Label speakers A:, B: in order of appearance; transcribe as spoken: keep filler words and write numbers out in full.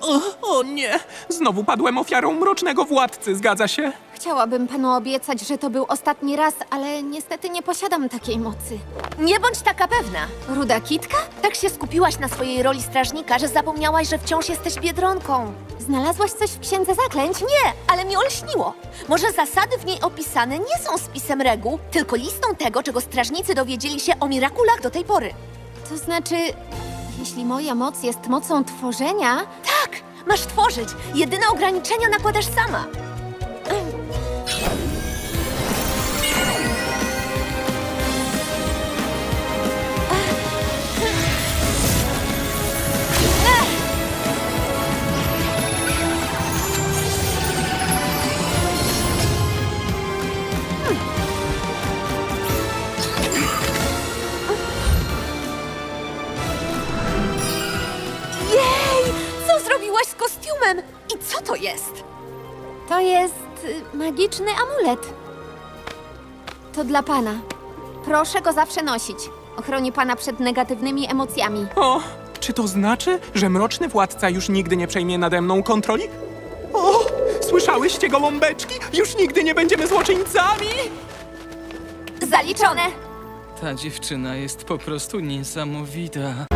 A: O, o nie! Znowu padłem ofiarą mrocznego władcy, zgadza się?
B: Chciałabym panu obiecać, że to był ostatni raz, ale niestety nie posiadam takiej mocy.
C: Nie bądź taka pewna.
B: Ruda kitka?
C: Tak się skupiłaś na swojej roli strażnika, że zapomniałaś, że wciąż jesteś biedronką.
B: Znalazłaś coś w księdze zaklęć?
C: Nie, ale mi olśniło. Może zasady w niej opisane nie są spisem reguł, tylko listą tego, czego strażnicy dowiedzieli się o mirakulach do tej pory.
B: To znaczy, jeśli moja moc jest mocą tworzenia,
C: Tak, masz tworzyć. Jedyne ograniczenia nakładasz sama. Jej! Co zrobiłaś z kostiumem? I co to jest?
B: to jest y, magiczny amulet. To dla pana. Proszę go zawsze nosić. Ochroni pana przed negatywnymi emocjami.
A: O, czy to znaczy, że mroczny władca już nigdy nie przejmie nade mną kontroli? O, słyszałyście, gołąbeczki? Już nigdy nie będziemy złoczyńcami!
C: Zaliczone!
D: Ta dziewczyna jest po prostu niesamowita.